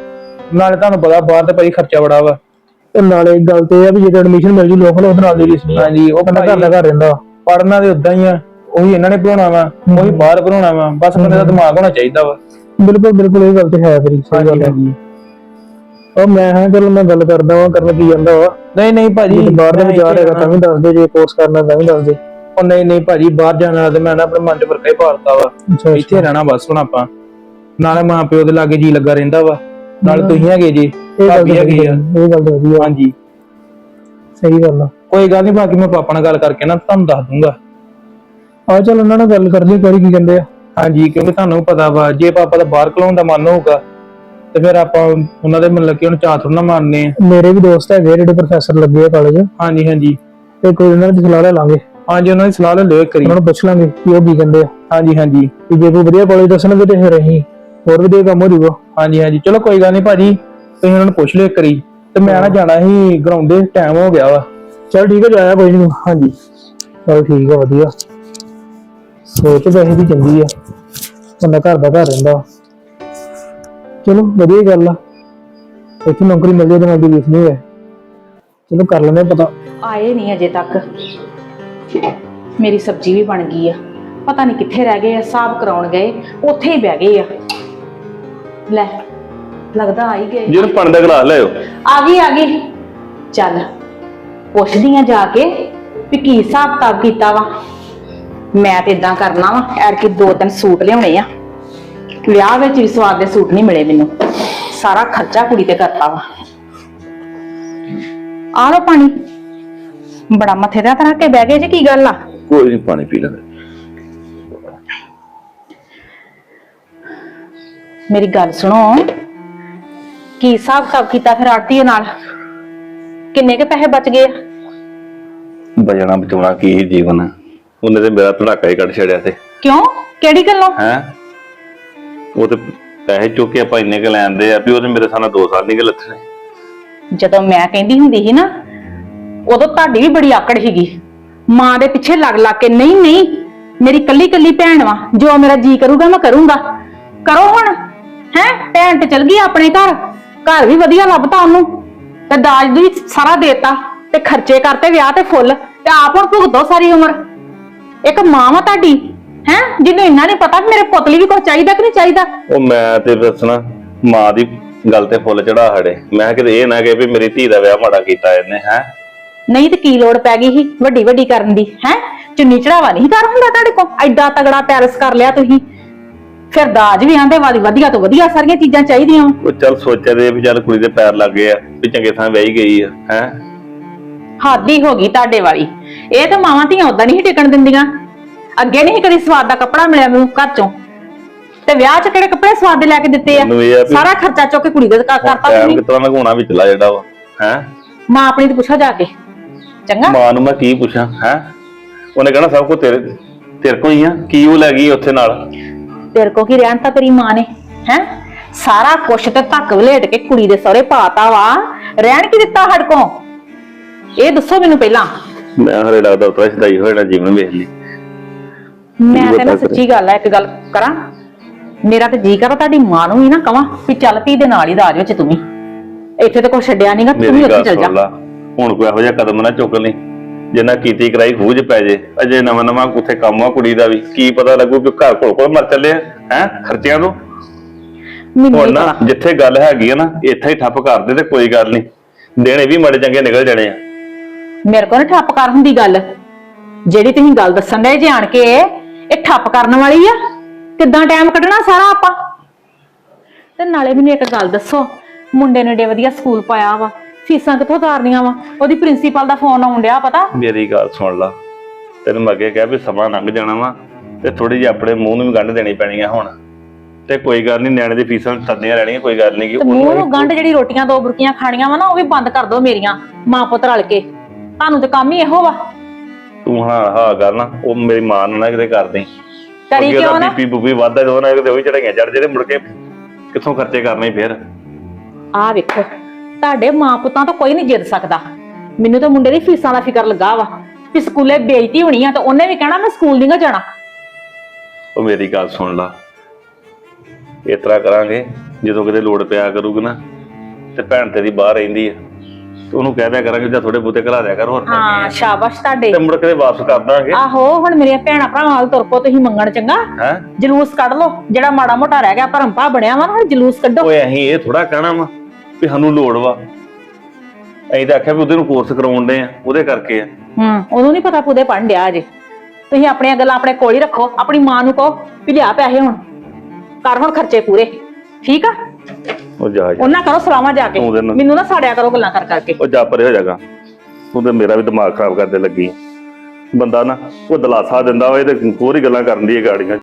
S6: ਨਾਲੇ ਤੁਹਾਨੂੰ ਪਤਾ ਬਾਹਰ ਤੇ ਭਾਈ ਖਰਚਾ ਬੜਾ ਵਾ।
S2: ਤੇ ਨਾਲੇ ਇੱਕ ਗੱਲ ਤੇ ਇਹ ਆ ਵੀ ਜੇ ਐਡਮਿਸ਼ਨ ਮਿਲ ਜੂ ਲੋਕਲ ਉਹਦੇ ਨਾਲ ਦੀ ਰੀਸ ਨਹੀਂ।
S6: ਹਾਂਜੀ, ਉਹ
S2: ਬੰਦਾ ਘਰ ਦਾ ਘਰ ਰਹਿੰਦਾ।
S6: ਪੜਨਾ ਤੇ ਉਦਾਂ ਹੀ ਆ, ਉਹੀ ਇਹਨਾਂ ਨੇ ਪੜਾਉਣਾ ਵਾ, ਉਹੀ ਬਾਹਰ ਪੜਾਉਣਾ ਵਾ, ਬਸ ਬੰਦੇ ਦਾ ਦਿਮਾਗ ਹੋਣਾ ਚਾਹੀਦਾ ਵਾ।
S2: ਬਿਲਕੁਲ ਬਿਲਕੁਲ, ਇਹ ਗੱਲ ਤੇ ਹੈ ਤੇਰੀ, ਸਹੀ ਗੱਲ ਹੈ। ਉਹ ਮੈਂ ਹਾਂ ਚਲੋ ਮੈਂ ਗੱਲ ਕਰਦਾ ਵਾਂ, ਕਰਨ ਕੀ ਜਾਂਦਾ ਵਾ।
S6: ਨਹੀਂ ਭਾਜੀ,
S2: ਜੇ ਬਾਹਰ ਦਾ ਵਿਚਾਰ ਹੈਗਾ ਤਾਂ ਵੀ ਦੱਸ ਦੇ, ਜੇ ਕੋਰਸ ਕਰਨਾ ਤਾਂ ਵੀ ਦੱਸ ਦੇ।
S6: ਉਹ ਨਹੀਂ ਭਾਜੀ, ਬਾਹਰ ਜਾਣ ਵਾਲਾ ਤੇ ਮੈਂ ਨਾ ਆਪਣੇ ਮਨ ਚ ਫਰਕਾ ਹੀ ਪਾਲਤਾ ਵਾ। ਇੱਥੇ ਰਹਿਣਾ ਬਸ ਹੁਣ ਆਪਾਂ, ਨਾਲੇ ਮਾਂ ਪਿਓ ਦੇ ਲਾਗੇ ਜੀ ਲੱਗਾ ਰਹਿੰਦਾ ਵਾ, ਨਾਲੇ ਤੁਸੀਂ ਹੈਗੇ ਜੀ, ਭਾਬੀ ਹੈਗੀ ਆ।
S2: ਇਹ ਗੱਲ ਤਾਂ ਵਧੀਆ।
S6: ਹਾਂਜੀ
S2: ਸਹੀ ਗੱਲ ਆ।
S6: ਕੋਈ ਗੱਲ ਨਹੀਂ, ਬਾਕੀ ਮੈਂ ਪਾਪਾ ਨਾਲ ਗੱਲ ਕਰਕੇ ਨਾ ਤੁਹਾਨੂੰ ਦੱਸ ਦੂੰਗਾ।
S2: ਆ ਚੱਲ ਉਹਨਾਂ ਨਾਲ ਗੱਲ ਕਰ ਲਈ, ਕਰੀ ਕੀ ਕਹਿੰਦੇ ਆ।
S6: ਹਾਂਜੀ, ਕਿਉਂਕਿ ਤੁਹਾਨੂੰ ਪਤਾ ਵਾ ਜੇ ਪਾਪਾ ਦਾ ਬਾਹਰ ਘਲਾਉਣ ਦਾ ਮਨ ਹੋਊਗਾ ਤੇ ਫਿਰ ਆਪਾਂ ਉਹਨਾਂ ਦੇ ਮਤਲਬ ਕਿ ਹੁਣ ਚਾਹ ਥੋੜਾ ਨਾ ਮਾਰਨੇ ਆ।
S2: ਮੇਰੇ ਵੀ ਦੋਸਤ ਹੈਗੇ ਜਿਹੜੇ ਪ੍ਰੋਫੈਸਰ ਲੱਗੇ ਆ ਕਾਲਜ।
S6: ਹਾਂਜੀ
S2: ਤੇ ਕੋਈ ਉਹਨਾਂ ਦੀ ਸਲਾਹ ਲੈ ਲਾਂਗੇ।
S6: ਹਾਂਜੀ, ਉਹਨਾਂ ਦੀ ਸਲਾਹ ਲੈ ਲਿਓ ਇੱਕ ਵਾਰੀ।
S2: ਉਹਨਾਂ ਨੂੰ ਪੁੱਛ ਲਾਂਗੇ ਕਿ ਉਹ ਕੀ ਕਹਿੰਦੇ ਆ।
S6: ਹਾਂਜੀ
S2: ਕਿ ਜੇ ਕੋਈ ਵਧੀਆ ਕਾਲਜ ਦੱਸਣਗੇ ਤੇ ਫਿਰ ਅਸੀਂ ਹੋਰ ਵਧੀਆ ਕੰਮ ਹੋ ਜਾਊਗਾ।
S6: ਹਾਂਜੀ ਚਲੋ ਕੋਈ ਗੱਲ ਨਹੀਂ ਭਾਜੀ, ਤੁਸੀਂ ਉਹਨਾਂ ਨੂੰ ਪੁੱਛ ਲਿਓ ਇੱਕ ਵਾਰੀ। ਤੇ ਮੈਂ ਨਾ ਜਾਣਾ ਸੀ ਗਰਾਊਂਡ ਦੇ, ਟਾਈਮ ਹੋ ਗਿਆ ਵਾ।
S2: ਚਲ ਠੀਕ ਹੈ, ਜਾਇਆ ਕੋਈ ਨਹੀਂ।
S6: ਹਾਂਜੀ
S2: ਚਲ ਠੀਕ ਆ, ਵਧੀਆ ਸੋਚ ਵੈਸੇ ਵੀ ਚੰਗੀ ਆ, ਬੰਦਾ ਘਰ ਦਾ ਘਰ ਰਹਿੰਦਾ। ਚਲੋ ਵਧੀਆ ਗੱਲ ਆ, ਇੱਥੇ ਨੌਕਰੀ ਮਿਲ ਜਾਏ ਤਾਂ ਮੈਂ ਰੀਸ ਨਹੀਂ ਹੈ। ਚਲੋ ਕਰ ਲੈਂਦੇ ਪਤਾ।
S1: ਆਏ ਨਹੀਂ ਅਜੇ ਤੱਕ। ਮੇਰੀ ਸਬਜ਼ੀ ਵੀ ਬਣ ਗਈ ਆ, ਪਤਾ ਨਹੀਂ ਕਿੱਥੇ ਰਹਿ ਗਏ ਆ। ਹਿਸਾਬ ਕਰਾਉਣ ਗਏ, ਉੱਥੇ ਹੀ ਬਹਿ ਗਏ ਆ। ਲੈ ਲੱਗਦਾ ਆ ਹੀ ਗਏ।
S4: ਜਿਹਨੂੰ ਪਾਣੀ ਦਾ ਗਲਾਸ ਲਿਆਓ।
S1: ਆ ਗਈ। ਚੱਲ ਪੁੱਛਦੀ ਆ ਜਾ ਕੇ ਵੀ ਕੀ ਹਿਸਾਬ ਕਿਤਾਬ ਕੀਤਾ ਵਾ। ਮੈਂ ਤੇ ਇਦਾਂ ਕਰਨਾ ਵਾ, ਐਰਕੀ 2-3 ਸੂਟ ਲਿਆਉਣੇ ਆ। ਵਿਆਹ ਵਿੱਚ ਵੀ ਸਵਾਦ ਦੇ ਸੂਟ ਨਹੀਂ ਮਿਲੇ ਮੈਨੂੰ, ਸਾਰਾ ਖਰਚਾ ਕੁੜੀ ਤੇ ਕਰਤਾ ਵਾ। ਆ ਲੋ ਪਾਣੀ, ਬੜਾ ਮੱਥੇ ਦਾ ਰੱਖ ਕੇ ਬਹਿ ਗਏ ਜੀ, ਕੀ ਗੱਲ ਆ?
S4: ਕੋਈ ਨਹੀਂ, ਪਾਣੀ ਪੀ ਲੈਂਦੇ।
S1: ਮੇਰੀ ਗੱਲ ਸੁਣੋ, ਕੀ ਹਿਸਾਬ ਕਿਤਾਬ ਕੀਤਾ ਫਿਰ ਆੜਤੀਏ ਨਾਲ? ਕਿੰਨੇ ਕੇ ਪੈਸੇ ਬਚ ਗਏ?
S4: ਬਜਣਾ ਬਚਾਉਣਾ ਕੀ ਹੀ ਜੀਵਨ, ਉਹਨੇ ਤੇ ਮੇਰਾ ਧੜਾਕਾ ਹੀ ਕੱਢ ਛੜਿਆ ਤੇ।
S1: ਕਿਉਂ, ਕਿਹੜੀ ਗੱਲੋਂ?
S4: ਹੈ ਉਹ ਤੇ ਪੈਸੇ ਚੁੱਕ ਕੇ ਆਪਾਂ ਇੰਨੇ ਕ ਲੈਂਦੇ ਆ ਵੀ ਉਹਨੇ ਮੇਰੇ ਸਾਹਮਣੇ 2 ਸਾਲ ਨਹੀਂ ਗੇ ਲੱਥਣੇ।
S1: ਜਦੋਂ ਮੈਂ ਕਹਿੰਦੀ ਹੁੰਦੀ ਸੀ ਨਾ, ਉਦੋਂ ਤੁਹਾਡੀ ਵੀ ਬੜੀ ਆਕੜ ਸੀਗੀ, ਮਾਂ ਦੇ ਪਿੱਛੇ ਲੱਗ ਕੇ। ਨਹੀਂ ਮੇਰੀ ਕੱਲੀ ਭੈਣ ਵਾ, ਜੋ ਮੇਰਾ ਜੀ ਕਰੂਗਾ ਮੈਂ ਕਰੂੰਗਾ। ਕਰੋ ਹੁਣ। ਹੈ ਭੈਣ ਤੇ ਚਲ ਗਈ ਆਪਣੇ ਘਰ ਵੀ ਵਧੀਆ ਲੱਭਤਾ ਉਹਨੂੰ, ਤੇ ਦਾਜ ਵੀ ਸਾਰਾ ਦੇਤਾ, ਤੇ ਖਰਚੇ ਕਰਤੇ ਵਿਆਹ ਤੇ ਫੁੱਲ, ਤੇ ਆਪ ਹੁਣ ਭੁਗਤੋ ਸਾਰੀ ਉਮਰ। ਇੱਕ ਮਾਂ ਵਾ ਤੁਹਾਡੀ, ਹੈ ਜਿਹਨੂੰ ਇੰਨਾ ਨਹੀਂ ਪਤਾ ਮੇਰੇ ਪੁੱਤ ਲਈ ਵੀ ਕੁਝ ਚਾਹੀਦਾ ਕਿ ਨਹੀਂ ਚਾਹੀਦਾ।
S4: ਉਹ ਮੈਂ ਤੇ ਦੱਸਣਾ, ਮਾਂ ਦੀ ਗੱਲ ਤੇ ਫੁੱਲ ਚੜਾ ਹੜੇ। ਮੈਂ ਕਿਤੇ ਇਹ ਨਾ ਕਹੇ ਵੀ ਮੇਰੀ ਧੀ ਦਾ ਵਿਆਹ ਮਾੜਾ ਕੀਤਾ ਇਹਨੇ। ਹੈ
S1: ਨਹੀਂ ਤੇ ਕੀ ਲੋੜ ਪੈ ਗਈ ਸੀ ਵੱਡੀ ਕਰਨ ਦੀ? ਹੈ ਚੁੰਨੀ ਚੜਾਵਾ ਨਹੀਂ ਕਰ ਹੁੰਦਾ ਤੁਹਾਡੇ ਕੋਲ? ਐਡਾ ਤਗੜਾ ਪੈਰਸ ਕਰ ਲਿਆ ਤੁਸੀਂ, ਫਿਰ ਦਾਜ ਵੀ ਆਂਦੇ ਵਾਲੀ ਵਧੀਆ ਤੋਂ ਵਧੀਆ ਸਾਰੀਆਂ ਚੀਜ਼ਾਂ ਚਾਹੀਦੀਆਂ।
S4: ਉਹ ਚੱਲ ਸੋਚਿਆ ਤੇ ਵੀ ਚੱਲ ਕੁੜੀ ਦੇ ਪੈਰ ਲੱਗ ਗਏ ਆ, ਵੀ ਚੰਗੇ ਥਾਂ ਵਿਆਹੀ ਗਈ ਆ। ਹੈ
S1: ਹੱਦ ਹੀ ਹੋ ਗਈ ਤੁਹਾਡੇ ਵਾਲੀ। ਇਹ ਤਾਂ ਮਾਵਾਂ ਧੀਆਂ ਉਦਾਂ ਨਹੀਂ ਟਿਕਣ ਦਿੰਦੀਆਂ। ਅੱਗੇ ਨਹੀਂ ਕਦੀ ਸਵਾਦ ਦਾ ਕੱਪੜਾ ਮਿਲਿਆ ਮੈਨੂੰ ਘਰ ਚੋਂ, ਤੇ ਵਿਆਹ ਚ ਕਿਹੜੇ ਕੱਪੜੇ ਸਵਾਦ ਦੇ ਲੈ ਕੇ ਦਿੱਤੇ ਆ? ਸਾਰਾ ਖਰਚਾ ਚੁੱਕ ਕੇ ਕੁੜੀ ਦੇ ਕਰਤਾ ਤੁਸੀਂ।
S4: ਕਿਤਨਾ ਲਗਾਉਣਾ ਵਿਚਲਾ ਜਿਹੜਾ ਵਾ। ਹੈ
S1: ਮਾਂ ਆਪਣੀ ਤੇ ਪੁੱਛੋ ਜਾ ਕੇ, ਚੰਗਾ?
S4: ਮਾਂ ਨੂੰ ਮੈਂ ਕੀ ਪੁੱਛਾਂ? ਹੈ ਉਹਨੇ ਕਹਿਣਾ ਸਭ ਕੁਝ ਤੇਰੇ ਕੋਲ ਹੀ ਆ, ਕੀ ਉਹ ਲੈ ਗਈ ਉੱਥੇ ਨਾਲ?
S1: ਤੇਰੇ ਕੋ ਕੀ ਰਹਿਣ ਤਾਂ ਤੇਰੀ ਮਾਂ ਨੇ? ਹੈ ਸਾਰਾ ਕੁਛ ਤੇ ਧੱਕ ਵਲੇਟ ਕੇ ਕੁੜੀ ਦੇ ਸਹੁਰੇ ਪਾਤਾ ਵਾ, ਰਹਿਣ ਕੀ ਦਿੱਤਾ ਸਾਡੇ ਕੋ? ਇਹ ਦੱਸੋ ਮੈਨੂੰ ਪਹਿਲਾਂ।
S4: ਮੈਂ ਹਰੇ ਲੱਗਦਾ ਉਤਰਾ ਸਦਾਈ ਹੋਇਆ ਜੀਵਨ ਵੇਖ ਲਈ।
S1: ਮੈਂ ਤੇ ਨਾ ਸੱਚੀ ਗੱਲ ਆ, ਇੱਕ ਗੱਲ ਕਰਾਂ, ਮੇਰਾ ਤੇ ਜੀ ਕਰਦਾ ਤੁਹਾਡੀ ਮਾਂ ਨੂੰ ਵੀ ਨਾ ਕਵਾਂ ਵੀ ਚੱਲ ਧੀ ਦੇ ਨਾਲ ਹੀ ਦਾਜ ਵਿੱਚ ਤੂੰ ਵੀ। ਇੱਥੇ ਤੇ ਕੁਛ ਛੱਡਿਆ ਨਹੀਂਗਾ, ਤੂੰ ਵੀ ਉੱਥੇ ਚੱਲ ਜਾ।
S4: ਹੁਣ ਕੋਈ ਇਹੋ ਜਿਹਾ ਕਦਮ ਨਾ ਚੁੱਕ ਲਈ ਜਿੰਨਾ ਕੀਤੀ ਕਰਾਈ ਖੂਜ ਪੈ ਜੇ। ਅਜੇ ਨਵਾਂ ਉੱਥੇ ਕੰਮ ਆ ਕੁੜੀ ਦਾ ਵੀ, ਕੀ ਪਤਾ ਲੱਗੂ ਕਿ ਘਰ ਕੋਲ ਮਰ ਚੱਲੇ ਹੈ ਖਰਚਿਆਂ ਤੋਂ। ਹੁਣ ਨਾ ਜਿੱਥੇ ਗੱਲ ਹੈਗੀ ਆ ਨਾ, ਇੱਥੇ ਹੀ ਠੱਪ ਕਰਦੇ ਤੇ ਕੋਈ ਗੱਲ ਨਹੀਂ, ਦੇਣੇ ਵੀ ਮਾੜੇ ਚੰਗੇ ਨਿਕਲ ਜਾਣੇ ਆ।
S1: ਮੇਰੇ ਕੋਲ ਨਾ ਠੱਪ ਕਰ ਹੁੰਦੀ ਗੱਲ, ਜਿਹੜੀ ਤੁਸੀਂ ਗੱਲ ਦੱਸਣ ਦੇ ਜਾਣ ਕੇ ਇਹ ਠੱਪ ਕਰਨ ਵਾਲੀ ਆ। ਕਿੱਦਾਂ ਟਾਈਮ ਕੱਢਣਾ ਸਾਰਾ ਆਪਾਂ? ਤੇ ਨਾਲੇ ਮੈਨੂੰ ਇੱਕ ਗੱਲ ਦੱਸੋ, ਮੁੰਡੇ ਨੇ ਏਡੇ ਵਧੀਆ ਸਕੂਲ ਪਾਇਆ ਵਾ, ਫੀਸਾਂ ਕਿੱਥੋਂ ਤਾਰਨੀਆਂ ਵਾ? ਉਹਦੀ ਪ੍ਰਿੰਸੀਪਲ ਦਾ ਫੋਨ ਆਉਣ ਡਿਆ, ਪਤਾ?
S4: ਮੇਰੀ ਗੱਲ ਸੁਣ ਲਾ, ਤੈਨੂੰ ਮੈਂ ਅੱਗੇ ਕਿਹਾ ਵੀ ਸਮਾਂ ਲੰਘ ਜਾਣਾ ਵਾ, ਤੇ ਥੋੜੀ ਜਿਹੀ ਆਪਣੇ ਮੂੰਹ ਨੂੰ ਵੀ ਗੰਢ ਦੇਣੀ ਪੈਣੀ ਆ ਹੁਣ। ਤੇ ਕੋਈ ਗੱਲ ਨਹੀਂ, ਨਿਆਣੇ ਦੀ ਫੀਸਾਂ ਤੱਦੀਆਂ ਰਹਿਣੀਆਂ, ਕੋਈ ਗੱਲ ਨਹੀਂ।
S1: ਮੂੰਹ ਨੂੰ ਗੰਢ, ਜਿਹੜੀ ਰੋਟੀਆਂ 2 ਬੁਰਕੀਆਂ ਖਾਣੀਆਂ ਵਾ ਨਾ, ਉਹ ਵੀ ਬੰਦ ਕਰ ਦੋ ਮੇਰੀਆਂ ਮਾਂ ਪੁੱਤ ਰਲ ਕੇ। ਤੁਹਾਨੂੰ ਤੇ ਕੰਮ ਹੀ ਇਹੋ ਵਾ।
S4: ਤੂੰ ਹਾਂ ਗੱਲ ਨਾ ਉਹ ਮੇਰੀ ਮਾਂ ਨੂੰ ਨਾ ਕਿਤੇ ਕਰਦੇ
S1: ਕਰੀ ਕਿਉਂ ਨਾ?
S4: ਬੀਪੀ ਬੂਪੀ ਵੱਧਦਾ ਜਦੋਂ ਨਾ ਕਿਤੇ ਉਹੀ ਚੜਾਈਆਂ ਚੜ ਜਿਹੜੇ ਮੁੜ ਕੇ ਕਿੱਥੋਂ ਖਰਚੇ ਕਰਨੇ ਫਿਰ।
S1: ਆਹ ਵੇਖੋ, ਤੁਹਾਡੇ ਮਾਂ ਪੁੱਤਾਂ ਤੋਂ ਕੋਈ ਨਹੀਂ ਜਿੱਦ ਸਕਦਾ। ਮੈਨੂੰ ਤਾਂ ਮੁੰਡੇ ਦੀ ਫੀਸਾਂ ਦਾ ਫਿਕਰ ਲੱਗਾ ਵਾ ਵੀ ਸਕੂਲੇ ਬੇਇੱਜ਼ਤੀ ਹੋਣੀ ਆ, ਤੇ ਉਹਨੇ ਵੀ ਕਹਿਣਾ ਮੈਂ ਸਕੂਲ ਨਹੀਂ ਜਾਣਾ।
S4: ਉਹ ਮੇਰੀ ਗੱਲ ਸੁਣ ਲਾ, ਇਸ ਤਰ੍ਹਾਂ ਕਰਾਂਗੇ, ਜਦੋਂ ਕਿਤੇ ਲੋੜ ਪਿਆ ਕਰੂਗੀ ਨਾ ਤੇ ਭੈਣ ਤੇਰੀ ਬਾਹਰ ਰਹਿੰਦੀ ਆ ਤੇ ਉਹਨੂੰ ਕਹਿ ਦਿਆ ਕਰਾਂਗੇ ਜਾਂ ਥੋੜੇ ਬੂਤੇ ਘਲਾ ਦਿਆ ਕਰ ਹੋਰ ਕਰਨੀ
S7: ਹਾਂ
S4: ਆ।
S7: ਸ਼ਾਬਾਸ਼ ਤੁਹਾਡੇ।
S4: ਤੇ ਮੁੜ ਕੇ ਵਾਪਸ ਕਰ ਦਾਂਗੇ।
S7: ਆਹੋ ਹੁਣ ਮੇਰੀਆਂ ਭੈਣਾਂ ਭਰਾਵਾਂ ਵੱਲ ਤੁਰ ਪੋ ਤੁਸੀਂ ਮੰਗਣ, ਚੰਗਾ
S4: ਹੈ
S7: ਜਲੂਸ ਕੱਢ ਲੋ ਜਿਹੜਾ ਮਾੜਾ ਮੋਟਾ ਰਹਿ ਗਿਆ ਭਰਮ ਭਾ ਬਣਿਆ ਵਾ ਨਾ, ਜਲੂਸ ਕੱਢੋ।
S4: ਓਏ ਅਸੀਂ ਇਹ ਥੋੜਾ ਕਹਿਣਾ ਵਾ ਵੀ ਸਾਨੂੰ ਲੋੜ ਵਾ, ਅਸੀਂ ਤਾਂ ਆਖਿਆ ਵੀ ਉਹਦੇ ਨੂੰ ਕੋਰਸ ਕਰਾਉਣ ਦੇ ਆ, ਉਹਦੇ ਕਰਕੇ ਆ।
S7: ਉਹਨੂੰ ਨਹੀਂ ਪਤਾ ਪੁਦੇ ਪੜ੍ਹਨ ਡਿਆ ਅਜੇ। ਤੁਸੀਂ ਆਪਣੀਆਂ ਗੱਲਾਂ ਆਪਣੇ ਕੋਲ ਹੀ ਰੱਖੋ, ਆਪਣੀ ਮਾਂ ਨੂੰ ਕਹੋ ਵੀ ਲਿਆ ਪੈਸੇ ਹੁਣ ਕਰ ਹੁਣ ਖਰਚੇ ਪੂਰੇ, ਠੀਕ ਆ?
S4: ਉਹ ਜਾ ਜਾ
S7: ਉਹਨਾਂ ਕਰੋ ਸਲਾਮਾਂ ਜਾ ਕੇ,
S4: ਤੂੰ ਉਹਦੇ ਨਾਲ-
S7: ਮੈਨੂੰ ਨਾ ਸਾੜਿਆ ਕਰੋ ਗੱਲਾਂ ਕਰ ਕਰਕੇ।
S4: ਉਹ ਜਾ ਪਰੇ ਹੋ ਜਾਗਾ, ਤੂੰ ਤੇ ਮੇਰਾ ਵੀ ਦਿਮਾਗ ਖਰਾਬ ਕਰਦੇ ਲੱਗੀ। ਬੰਦਾ ਨਾ ਉਹ ਦਲਾਸਾ ਦਿੰਦਾ ਵਾ, ਇਹ ਤੇ ਹੋਰ ਹੀ ਗੱਲਾਂ ਕਰਨ ਦੀ ਹੈ ਗਾੜੀਆਂ।